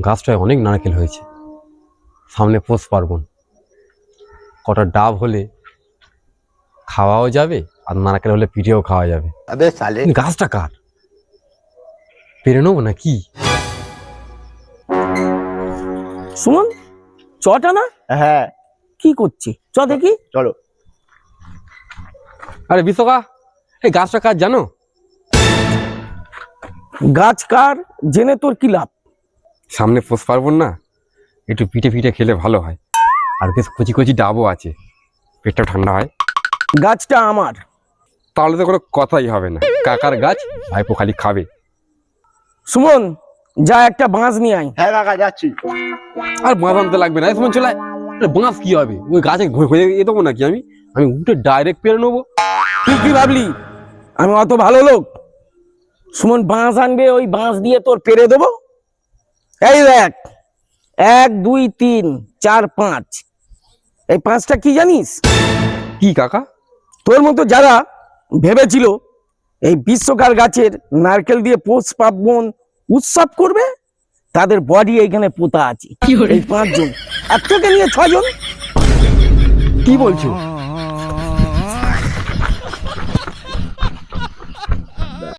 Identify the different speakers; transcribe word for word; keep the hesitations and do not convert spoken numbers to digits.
Speaker 1: গাছটায় অনেক নারকেল হয়েছে, সামনে পৌষ পার্বণ, কটা ডাব হলে খাওয়াও যাবে আর নারকেল হলে পিঠেও খাওয়া যাবে।
Speaker 2: আবে সালে,
Speaker 1: গাছটা কার? পেরে নেবো না কি?
Speaker 3: সুমন, চটা না?
Speaker 2: হ্যাঁ
Speaker 3: কি করছি? চ দেখি।
Speaker 2: চলো।
Speaker 1: আরে বিশ্বকা, এই গাছটা কার জানো?
Speaker 3: গাছ কার জেনে তোর কি লাভ?
Speaker 1: সামনে পৌষ পার্বণ না, একটু পিঠে পিঠে খেলে ভালো হয়, আর বেশ কচি কচি ডাবও আছে, পেটটা ঠান্ডা হয়।
Speaker 3: গাছটা আমার।
Speaker 1: তাহলে তো কোনো কথাই হবে না, কাকার গাছ, ভাইপো খালি খাবে।
Speaker 3: সুমন, যা একটা বাঁশ নিয়ে আয়।
Speaker 2: হ্যাঁ কাকা যাচ্ছি।
Speaker 1: আর বাঁশ আনতে লাগবে না, সময় চলে আয়। আরে বাঁশ কি হবে, ওই গাছে ঘুরে এ দেবো নাকি আমি? আমি উঠে ডাইরেক্ট পেরে নেবো।
Speaker 3: তুই কি ভাবলি আমি অত ভালো লোক? সুমন বাঁশ আনবে, ওই বাঁশ দিয়ে তোর পেরে দেবো। এই দেখ, এক দুই তিন চার পাঁচ, এই পাঁচটা কি জানিস?
Speaker 1: কি কাকা?
Speaker 3: তোর মতো যারা ভেবেছিল এই বিশ্বকার গাছের নারকেল দিয়ে পৌষ পার্বণ উৎসব করবে, তাদের বডি এইখানে পোতা আছে। এই পাঁচজন, এক থেকে নিয়ে ছজন।
Speaker 1: কি বলছো?